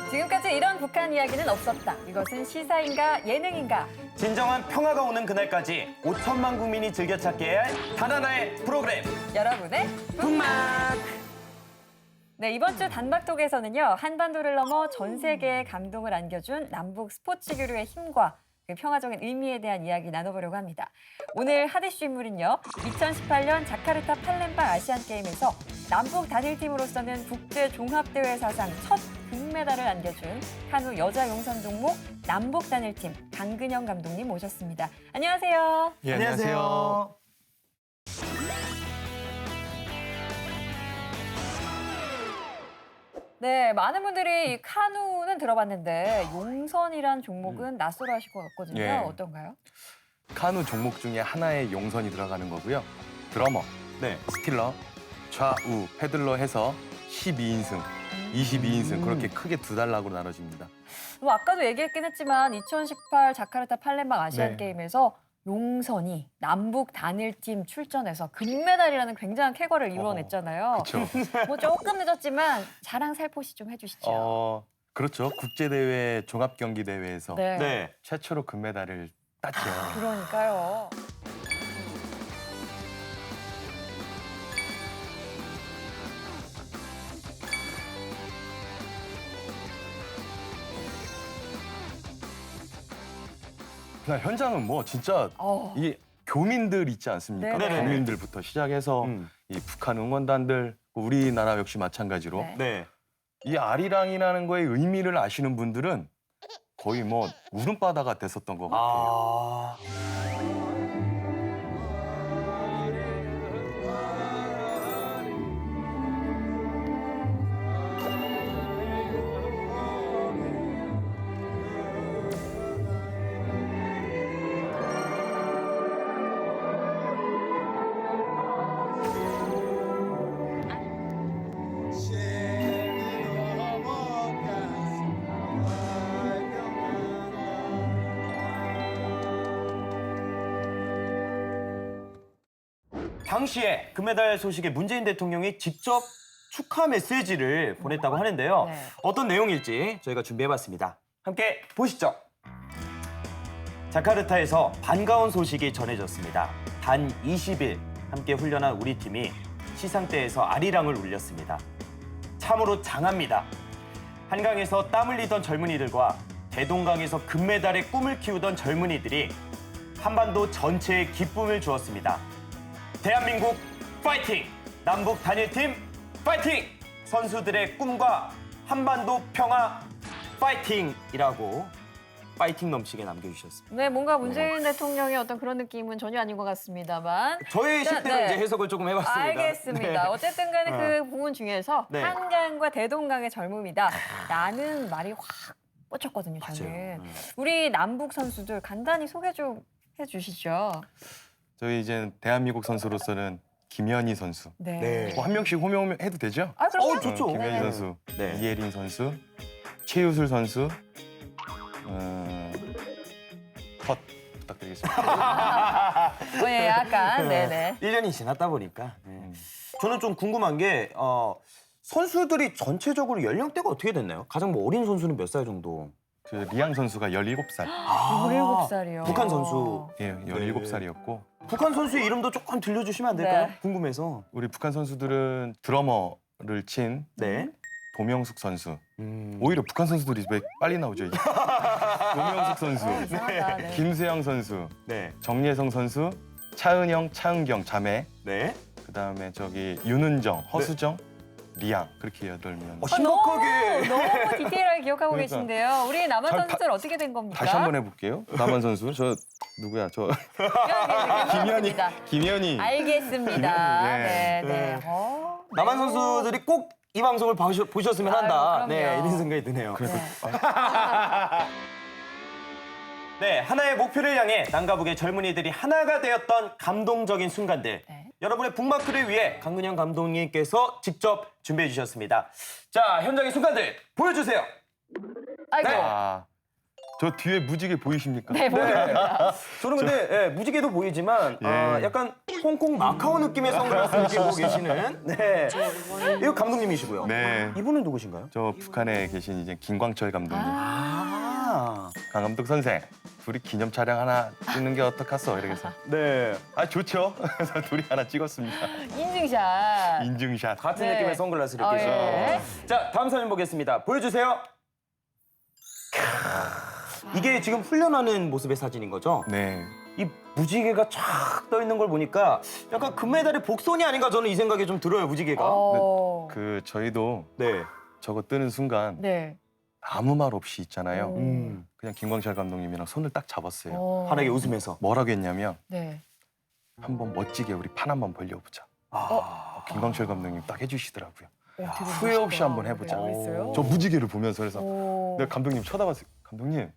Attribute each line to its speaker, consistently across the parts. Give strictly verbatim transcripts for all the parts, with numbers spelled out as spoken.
Speaker 1: 지금까지 이런 북한 이야기는 없었다. 이것은 시사인가 예능인가?
Speaker 2: 진정한 평화가 오는 그날까지 오천만 국민이 즐겨 찾게 해야 할 단 하나의 프로그램.
Speaker 1: 여러분의
Speaker 2: 북막.
Speaker 1: 네, 이번 주 단박톡에서는요. 한반도를 넘어 전 세계에 감동을 안겨준 남북 스포츠 교류의 힘과 그 평화적인 의미에 대한 이야기 나눠보려고 합니다. 오늘 핫이슈 인물은요. 이천십팔 년 자카르타 팔렘방 아시안게임에서 남북 단일팀으로서는 국제 종합대회 사상 첫 금메달을 안겨준 카누 여자 용선 종목 남북 단일팀 강근영 감독님 모셨습니다. 안녕하세요.
Speaker 3: 예, 안녕하세요.
Speaker 1: 네, 많은 분들이 이 카누는 들어봤는데 용선이란 종목은 낯설어 하실 것 같거든요.
Speaker 3: 예.
Speaker 1: 어떤가요?
Speaker 3: 카누 종목 중에 하나의 용선이 들어가는 거고요. 드러머,
Speaker 2: 네.
Speaker 3: 스틸러, 좌우, 패들러 해서 십이 인승, 이십이 인승 그렇게 크게 두 단락으로 나눠집니다.
Speaker 1: 뭐 아까도 얘기했긴 했지만 이천십팔 자카르타 팔렘방 아시안
Speaker 3: 네.
Speaker 1: 게임에서 용선이 남북 단일팀 출전해서 금메달이라는 굉장한 쾌거를 이뤄냈잖아요.
Speaker 3: 그렇죠.
Speaker 1: 뭐 조금 늦었지만 자랑 살포시 좀 해주시죠.
Speaker 3: 어, 그렇죠. 국제 대회 종합 경기 대회에서
Speaker 1: 네.
Speaker 2: 네.
Speaker 3: 최초로 금메달을 땄죠.
Speaker 1: 그러니까요.
Speaker 3: 그냥 현장은 뭐 진짜
Speaker 1: 어.
Speaker 3: 이 교민들 있지 않습니까?
Speaker 1: 네네.
Speaker 3: 교민들부터 시작해서
Speaker 2: 음.
Speaker 3: 이 북한 응원단들, 우리나라 역시 마찬가지로
Speaker 1: 네.
Speaker 2: 네.
Speaker 3: 이 아리랑이라는 거의 의미를 아시는 분들은 거의 뭐 울음바다가 됐었던 것 같아요.
Speaker 2: 아. 당시에 금메달 소식에 문재인 대통령이 직접 축하 메시지를 보냈다고 하는데요.
Speaker 1: 네.
Speaker 2: 어떤 내용일지 저희가 준비해봤습니다. 함께 보시죠. 자카르타에서 반가운 소식이 전해졌습니다. 단 이십 일 함께 훈련한 우리 팀이 시상대에서 아리랑을 울렸습니다. 참으로 장합니다. 한강에서 땀 흘리던 젊은이들과 대동강에서 금메달의 꿈을 키우던 젊은이들이 한반도 전체에 기쁨을 주었습니다. 대한민국 파이팅! 남북 단일팀 파이팅! 선수들의 꿈과 한반도 평화 파이팅이라고 파이팅 넘치게 남겨주셨습니다.
Speaker 1: 네, 뭔가 문재인 대통령의 어떤 그런 느낌은 전혀 아닌 것 같습니다만.
Speaker 2: 저의
Speaker 1: 일단,
Speaker 2: 식대로
Speaker 1: 네.
Speaker 2: 이제 해석을 조금 해봤습니다.
Speaker 1: 알겠습니다.
Speaker 2: 네.
Speaker 1: 어쨌든 간에
Speaker 2: 어.
Speaker 1: 그 부분 중에서
Speaker 2: 네.
Speaker 1: 한강과 대동강의 젊음이다. 라는 말이 확 꽂혔거든요, 저는.
Speaker 2: 맞아요. 음.
Speaker 1: 우리 남북 선수들 간단히 소개 좀 해주시죠.
Speaker 3: 저희 이제 대한민국 선수로서는 김연희 선수.
Speaker 1: 네.
Speaker 2: 네.
Speaker 3: 뭐 한 명씩 호명해도 되죠?
Speaker 1: 아, 그럼요.
Speaker 2: 어, 좋죠.
Speaker 3: 어, 김연희
Speaker 1: 네.
Speaker 3: 선수,
Speaker 2: 네.
Speaker 3: 이예린 선수, 최유술 선수, 어, 컷 부탁드리겠습니다.
Speaker 1: 어, 예, 약간, 네네.
Speaker 2: 일 년이 지났다 보니까. 네.
Speaker 3: 음.
Speaker 2: 저는 좀 궁금한 게 어, 선수들이 전체적으로 연령대가 어떻게 됐나요? 가장 뭐 어린 선수는 몇 살 정도?
Speaker 3: 그 리앙 선수가 열일곱 살,
Speaker 2: 아,
Speaker 1: 열일곱 살이요.
Speaker 2: 북한 선수.
Speaker 3: 예, 열일곱 살이었고
Speaker 2: 북한 선수의 이름도 조금 들려주시면 안 될까요?
Speaker 1: 네.
Speaker 2: 궁금해서.
Speaker 3: 우리 북한 선수들은 드러머를 친
Speaker 2: 네.
Speaker 3: 도명숙 선수.
Speaker 2: 음.
Speaker 3: 오히려 북한 선수들이 왜 빨리 나오죠? 이게? 도명숙 선수,
Speaker 1: 어, 이상하다. 네.
Speaker 3: 김수영 선수,
Speaker 2: 네.
Speaker 3: 정예성 선수, 차은영, 차은경 자매,
Speaker 2: 네.
Speaker 3: 그다음에 저기 윤은정, 허수정, 리앙 그렇게 여덟 명.
Speaker 2: 어,
Speaker 1: 아, 너무,
Speaker 2: 심각하게.
Speaker 1: 너무 디테일하게 기억하고
Speaker 3: 그러니까.
Speaker 1: 계신데요. 우리 남한
Speaker 3: 잘
Speaker 1: 선수들 어떻게 된 겁니까?
Speaker 3: 다시 한번 해볼게요. 남한 선수 저 누구야? 저 김연희,
Speaker 1: 김연희.
Speaker 3: 김연희.
Speaker 1: 알겠습니다.
Speaker 3: 네.
Speaker 1: 네, 네.
Speaker 2: 네.
Speaker 1: 어,
Speaker 2: 남한
Speaker 1: 네.
Speaker 2: 선수들이 꼭 이 방송을 봐주, 보셨으면 한다.
Speaker 1: 아유,
Speaker 2: 네,
Speaker 1: 그럼요.
Speaker 2: 이런 생각이 드네요.
Speaker 1: 네.
Speaker 2: 네, 하나의 목표를 향해 남가북의 젊은이들이 하나가 되었던 감동적인 순간들.
Speaker 1: 네.
Speaker 2: 여러분의 북마크를 위해 강근영 감독님께서 직접 준비해 주셨습니다. 자, 현장의 순간들 보여주세요.
Speaker 1: 아이고.
Speaker 2: 네.
Speaker 3: 아, 저 뒤에 무지개 보이십니까?
Speaker 1: 네, 보입니다.
Speaker 2: 저는 근데 예, 무지개도 보이지만
Speaker 3: 예.
Speaker 2: 아, 약간 홍콩 마카오 느낌의 선글라스를 끼고 계시는 네. 이거 감독님이시고요.
Speaker 3: 네.
Speaker 2: 이분은 누구신가요?
Speaker 3: 저 북한에 계신 이제 김광철 감독님.
Speaker 2: 아,
Speaker 3: 강 감독 선생, 둘이 기념 촬영 하나 찍는 게 어떡하소? 이러면서.
Speaker 2: 네.
Speaker 3: 아, 좋죠. 그래서 둘이 하나 찍었습니다.
Speaker 1: 인증샷.
Speaker 3: 인증샷.
Speaker 2: 같은
Speaker 1: 네.
Speaker 2: 느낌의 선글라스를
Speaker 1: 아,
Speaker 2: 끼시고.
Speaker 1: 예.
Speaker 2: 자, 다음 사진 보겠습니다. 보여주세요. 이게 지금 훈련하는 모습의 사진인 거죠?
Speaker 3: 네.
Speaker 2: 이 무지개가 쫙 떠 있는 걸 보니까 약간 금메달의 복선이 아닌가 저는 이 생각이 좀 들어요, 무지개가.
Speaker 1: 어.
Speaker 3: 그 저희도
Speaker 2: 네.
Speaker 3: 저거 뜨는 순간
Speaker 1: 네.
Speaker 3: 아무 말 없이 있잖아요.
Speaker 1: 오.
Speaker 2: 음.
Speaker 3: 그냥 김광철 감독님이랑 손을 딱 잡았어요.
Speaker 1: 어.
Speaker 2: 환하게 웃으면서.
Speaker 3: 뭐라고 했냐면
Speaker 1: 네.
Speaker 3: 한번 멋지게 우리 판 한번 벌려보자.
Speaker 2: 아.
Speaker 3: 김광철 감독님 딱 해주시더라고요.
Speaker 1: 오, 되게
Speaker 3: 후회 없이
Speaker 1: 멋있다.
Speaker 3: 한번 해보자.
Speaker 1: 네, 그랬어요?
Speaker 3: 저 무지개를 보면서 그래서
Speaker 1: 오.
Speaker 3: 내가 감독님 쳐다봤어요. 감독님,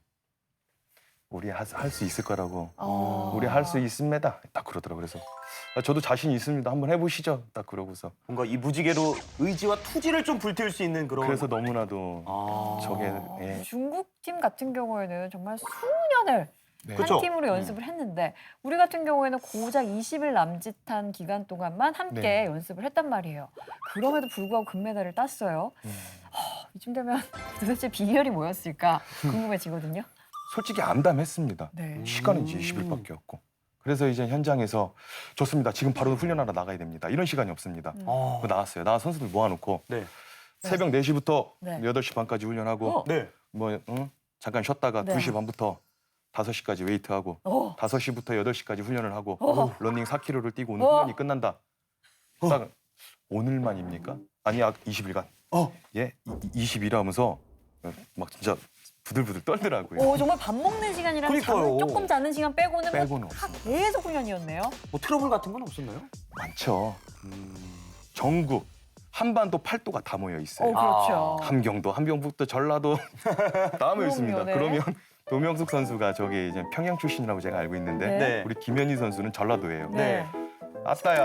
Speaker 3: 우리 할 수 있을 거라고.
Speaker 1: 어.
Speaker 3: 우리 할 수 있습니다. 딱 그러더라고요. 그래서 아, 저도 자신 있습니다. 한번 해보시죠. 딱 그러고서.
Speaker 2: 뭔가 이 무지개로 의지와 투지를 좀 불태울 수 있는 그런.
Speaker 3: 그래서 너무나도
Speaker 2: 아.
Speaker 3: 저게
Speaker 1: 어,
Speaker 3: 예.
Speaker 1: 중국 팀 같은 경우에는 정말 수년을
Speaker 3: 네.
Speaker 2: 그쵸?
Speaker 1: 한 팀으로 연습을 했는데 우리 같은 경우에는 고작 이십 일 남짓한 기간 동안만 함께
Speaker 3: 네.
Speaker 1: 연습을 했단 말이에요. 그럼에도 불구하고 금메달을 땄어요.
Speaker 3: 음.
Speaker 1: 이쯤 되면 도대체 비결이 뭐였을까 궁금해지거든요.
Speaker 3: 솔직히 암담했습니다.
Speaker 1: 네.
Speaker 3: 시간은 이제 이십 일밖에 없고. 그래서 이제 현장에서 좋습니다. 지금 바로 훈련하러 나가야 됩니다. 이런 시간이 없습니다.
Speaker 1: 음.
Speaker 2: 아.
Speaker 3: 그 나왔어요. 나 선수들 모아놓고
Speaker 2: 네.
Speaker 3: 새벽 네 시부터
Speaker 1: 네.
Speaker 3: 여덟 시 반까지 훈련하고
Speaker 1: 어.
Speaker 2: 네.
Speaker 3: 뭐 응? 잠깐 쉬었다가
Speaker 1: 네.
Speaker 3: 두 시 반부터 다섯 시까지 웨이트하고
Speaker 1: 어.
Speaker 3: 다섯 시부터 여덟 시까지 훈련을 하고
Speaker 1: 어.
Speaker 3: 러닝 사 킬로미터를 뛰고 오늘
Speaker 1: 어.
Speaker 3: 훈련이 끝난다. 딱 오늘만입니까? 아니, 아, 이십 일간.
Speaker 2: 어.
Speaker 3: 예? 이십 일 하면서 막 진짜 부들부들 떨더라고요.
Speaker 1: 오, 정말 밥 먹는 시간이랑
Speaker 2: 그러니까요.
Speaker 1: 잠을 조금 자는 시간 빼고는
Speaker 3: 빼고는
Speaker 1: 뭐 다
Speaker 3: 없습니다.
Speaker 1: 계속 훈련이었네요.
Speaker 2: 뭐 트러블 같은 건 없었나요?
Speaker 3: 많죠.
Speaker 2: 음.
Speaker 3: 전국 한반도 팔도가 다 모여
Speaker 1: 오,
Speaker 3: 있어요.
Speaker 1: 그렇죠.
Speaker 3: 함경도, 함경북도, 전라도 다 모여 있습니다.
Speaker 1: 네.
Speaker 3: 그러면 도명숙 선수가 저기 이제 평양 출신이라고 제가 알고 있는데
Speaker 1: 네.
Speaker 2: 네.
Speaker 3: 우리 김현희 선수는 전라도예요.
Speaker 1: 네.
Speaker 3: 아따야,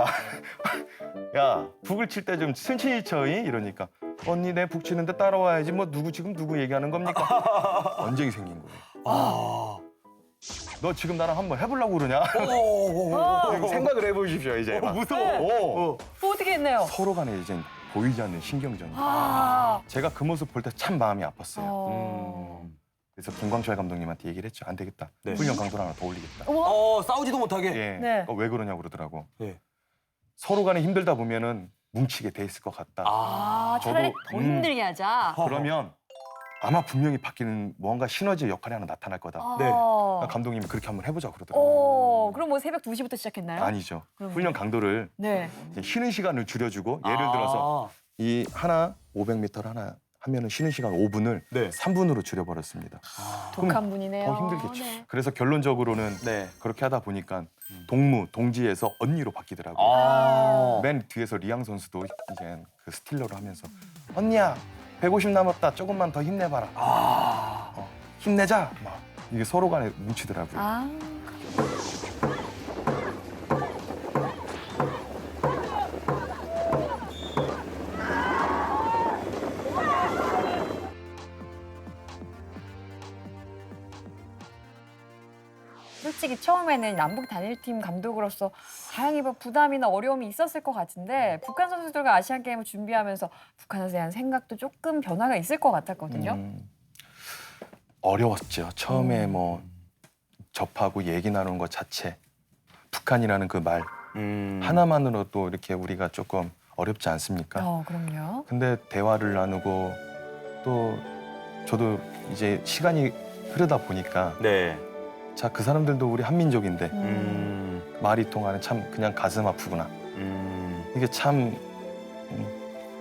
Speaker 3: 야 북을 칠 때 좀 천천히 쳐이 이러니까 언니 내 북 치는데 따라와야지 뭐 누구 지금 누구 얘기하는 겁니까? 언쟁이 생긴 거예요.
Speaker 2: 아.
Speaker 3: 너 지금 나랑 한번 해보려고 그러냐?
Speaker 1: 어.
Speaker 3: 이거 생각을 해보십시오 이제. 막.
Speaker 2: 무서워.
Speaker 3: 어.
Speaker 2: 어.
Speaker 1: 뭐 어떻게 했네요?
Speaker 3: 서로 간에 이제 보이지 않는 신경전이.
Speaker 1: 아.
Speaker 3: 제가 그 모습 볼 때 참 마음이 아팠어요.
Speaker 1: 어.
Speaker 2: 음.
Speaker 3: 그래서 김광철 감독님한테 얘기를 했죠. 안 되겠다.
Speaker 2: 네.
Speaker 3: 훈련 강도를 하나 더 올리겠다.
Speaker 1: 어머.
Speaker 2: 어, 싸우지도 못하게.
Speaker 3: 예.
Speaker 1: 네.
Speaker 3: 어, 왜 그러냐고 그러더라고.
Speaker 2: 예.
Speaker 3: 서로 간에 힘들다 보면은 뭉치게 돼 있을 것 같다.
Speaker 1: 아, 차라리
Speaker 3: 저도,
Speaker 1: 더
Speaker 3: 음.
Speaker 1: 힘들게 하자.
Speaker 3: 그러면 아마 분명히 바뀌는 뭔가 시너지의 역할이 하나 나타날 거다.
Speaker 1: 아.
Speaker 2: 네.
Speaker 3: 감독님이 그렇게 한번 해보자 그러더라고요.
Speaker 1: 오, 그럼 뭐 새벽 두 시부터 시작했나요?
Speaker 3: 아니죠.
Speaker 1: 그럼요.
Speaker 3: 훈련 강도를
Speaker 1: 네.
Speaker 3: 이제 쉬는 시간을 줄여주고 예를
Speaker 2: 아.
Speaker 3: 들어서 이 하나 오백 미터를 하나 하면은 쉬는 시간 오 분을
Speaker 2: 네.
Speaker 3: 삼 분으로 줄여버렸습니다.
Speaker 1: 독한 분이네요.
Speaker 3: 더 힘들겠죠.
Speaker 1: 네.
Speaker 3: 그래서 결론적으로는
Speaker 2: 네.
Speaker 3: 그렇게 하다 보니까
Speaker 2: 음.
Speaker 3: 동무, 동지에서 언니로 바뀌더라고요.
Speaker 2: 아.
Speaker 3: 맨 뒤에서 리앙 선수도 이제 그 스틸러를 하면서 언니야 백오십 남았다 조금만 더 힘내봐라.
Speaker 2: 아.
Speaker 3: 어, 힘내자. 막 이게 서로 간에 뭉치더라고요.
Speaker 1: 아. 솔직히 처음에는 남북 단일팀 감독으로서 다행히 뭐 부담이나 어려움이 있었을 것 같은데 북한 선수들과 아시안 게임을 준비하면서 북한에 대한 생각도 조금 변화가 있을 것 같았거든요.
Speaker 3: 음, 어려웠죠. 처음에
Speaker 1: 음.
Speaker 3: 뭐 접하고 얘기 나누는 것 자체 북한이라는 그 말
Speaker 2: 음.
Speaker 3: 하나만으로도 이렇게 우리가 조금 어렵지 않습니까?
Speaker 1: 어, 그럼요.
Speaker 3: 근데 대화를 나누고 또 저도 이제 시간이 흐르다 보니까
Speaker 2: 네.
Speaker 3: 자, 그 사람들도 우리 한민족인데
Speaker 1: 음.
Speaker 2: 음.
Speaker 3: 말이 통하는 참 그냥 가슴 아프구나.
Speaker 2: 음.
Speaker 3: 이게 참 음,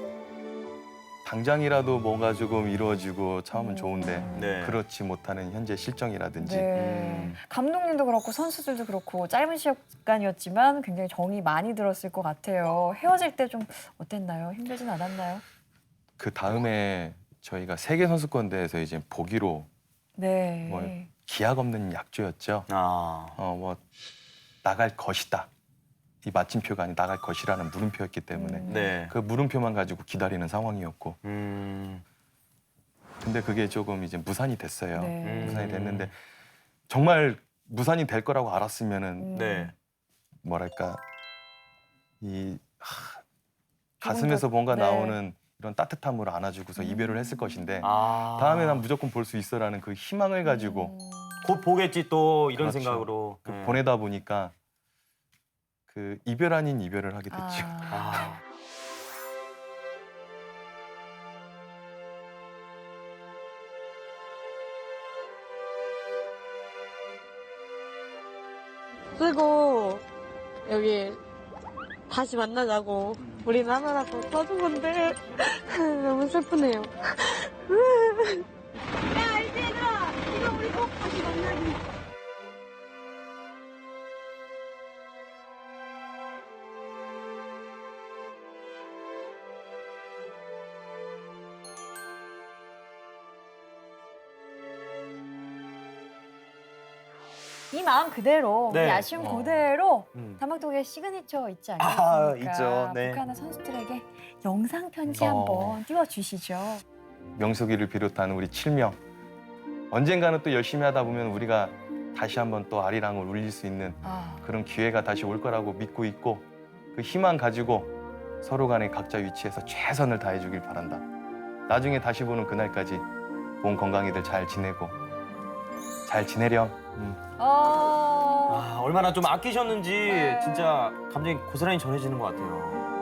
Speaker 3: 당장이라도 뭐가 조금 이루어지고 참으면 좋은데
Speaker 2: 네.
Speaker 3: 그렇지 못하는 현재 실정이라든지
Speaker 1: 네.
Speaker 2: 음.
Speaker 1: 감독님도 그렇고 선수들도 그렇고 짧은 시간이었지만 굉장히 정이 많이 들었을 것 같아요. 헤어질 때 좀 어땠나요? 힘들진 않았나요?
Speaker 3: 그 다음에 저희가 세계 선수권대회에서 이제 보기로
Speaker 1: 네.
Speaker 3: 뭘. 기약 없는 약조였죠.
Speaker 2: 아.
Speaker 3: 어 뭐 나갈 것이다. 이 마침표가 아닌 나갈 것이라는 물음표였기 때문에
Speaker 1: 음.
Speaker 2: 네.
Speaker 3: 그 물음표만 가지고 기다리는 상황이었고
Speaker 2: 음.
Speaker 3: 근데 그게 조금 이제 무산이 됐어요.
Speaker 1: 네.
Speaker 3: 무산이 됐는데 정말 무산이 될 거라고 알았으면은
Speaker 1: 음.
Speaker 2: 네.
Speaker 3: 뭐랄까 이 하,
Speaker 1: 조금
Speaker 3: 가슴에서
Speaker 1: 더-
Speaker 3: 뭔가
Speaker 1: 네.
Speaker 3: 나오는 이런 따뜻함으로 안아주고서
Speaker 1: 음.
Speaker 3: 이별을 했을 것인데
Speaker 2: 아.
Speaker 3: 다음에 난 무조건 볼 수 있어라는 그 희망을 가지고
Speaker 1: 음.
Speaker 2: 곧 보겠지 또 이런
Speaker 3: 그렇죠.
Speaker 2: 생각으로
Speaker 3: 그
Speaker 2: 네.
Speaker 3: 보내다 보니까 그 이별 아닌 이별을 하게 됐죠.
Speaker 1: 아.
Speaker 2: 아.
Speaker 4: 쓰고 여기 다시 만나자고 우리는 하나라고 써준 건데 너무 슬프네요.
Speaker 5: 야, 알지, 얘들아? 이거 우리 꼭 다시 만나기.
Speaker 1: 이 마음 그대로,
Speaker 2: 네.
Speaker 1: 이 아쉬움
Speaker 3: 어.
Speaker 1: 그대로
Speaker 2: 음.
Speaker 1: 다막독의 시그니처 있지
Speaker 2: 아,
Speaker 1: 않습니까?
Speaker 2: 있죠. 네.
Speaker 1: 북한의 선수들에게 영상 편지
Speaker 3: 어.
Speaker 1: 한번 띄워주시죠.
Speaker 3: 명석이를 비롯한 우리 칠명 언젠가는 또 열심히 하다 보면 우리가 다시 한번 또 아리랑을 울릴 수 있는
Speaker 1: 아,
Speaker 3: 그런 기회가 다시 올 거라고 믿고 있고 그 희망 가지고 서로 간에 각자 위치에서 최선을 다해주길 바란다. 나중에 다시 보는 그날까지 몸 건강히들 잘 지내고 잘 지내렴. 음.
Speaker 1: 어...
Speaker 2: 아, 얼마나 좀 아끼셨는지
Speaker 1: 네.
Speaker 2: 진짜 감정이 고스란히 전해지는 것 같아요.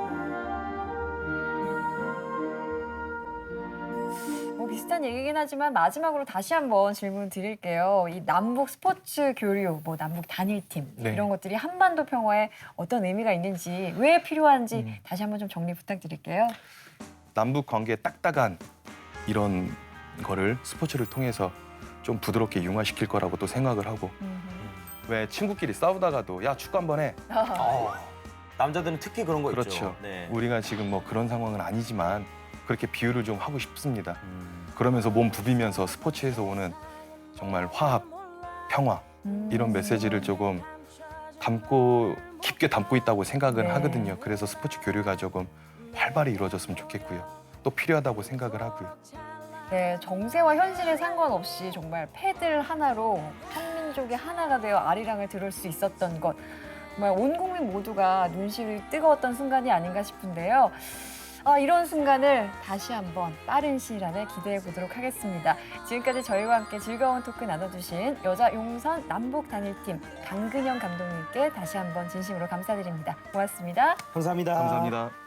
Speaker 1: 뭐 비슷한 얘기긴 하지만 마지막으로 다시 한번 질문 드릴게요. 이 남북 스포츠 교류, 뭐 남북 단일팀
Speaker 3: 네.
Speaker 1: 이런 것들이 한반도 평화에 어떤 의미가 있는지, 왜 필요한지
Speaker 3: 음.
Speaker 1: 다시 한번 좀 정리 부탁드릴게요.
Speaker 3: 남북 관계의 딱딱한 이런 거를 스포츠를 통해서 좀 부드럽게 융화시킬 거라고 또 생각을 하고 왜 친구끼리 싸우다가도 야 축구 한번 해.
Speaker 2: 어, 남자들은 특히 그런 거 있죠.
Speaker 3: 그렇죠.
Speaker 2: 네.
Speaker 3: 우리가 지금 뭐 그런 상황은 아니지만 그렇게 비유를 좀 하고 싶습니다.
Speaker 2: 음.
Speaker 3: 그러면서 몸 부비면서 스포츠에서 오는 정말 화합, 평화
Speaker 1: 음.
Speaker 3: 이런 메시지를 조금 담고 깊게 담고 있다고 생각을
Speaker 1: 네.
Speaker 3: 하거든요. 그래서 스포츠 교류가 조금 활발히 이루어졌으면 좋겠고요. 또 필요하다고 생각을 하고요.
Speaker 1: 네, 정세와 현실에 상관없이 정말 패들 하나로 한민족이 하나가 되어 아리랑을 들을 수 있었던 것. 정말 온 국민 모두가 눈시울이 뜨거웠던 순간이 아닌가 싶은데요. 아, 이런 순간을 다시 한번 빠른 시일 안에 기대해 보도록 하겠습니다. 지금까지 저희와 함께 즐거운 토크 나눠주신 여자 용선 남북 단일팀 강근영 감독님께 다시 한번 진심으로 감사드립니다. 고맙습니다.
Speaker 2: 감사합니다.
Speaker 3: 감사합니다.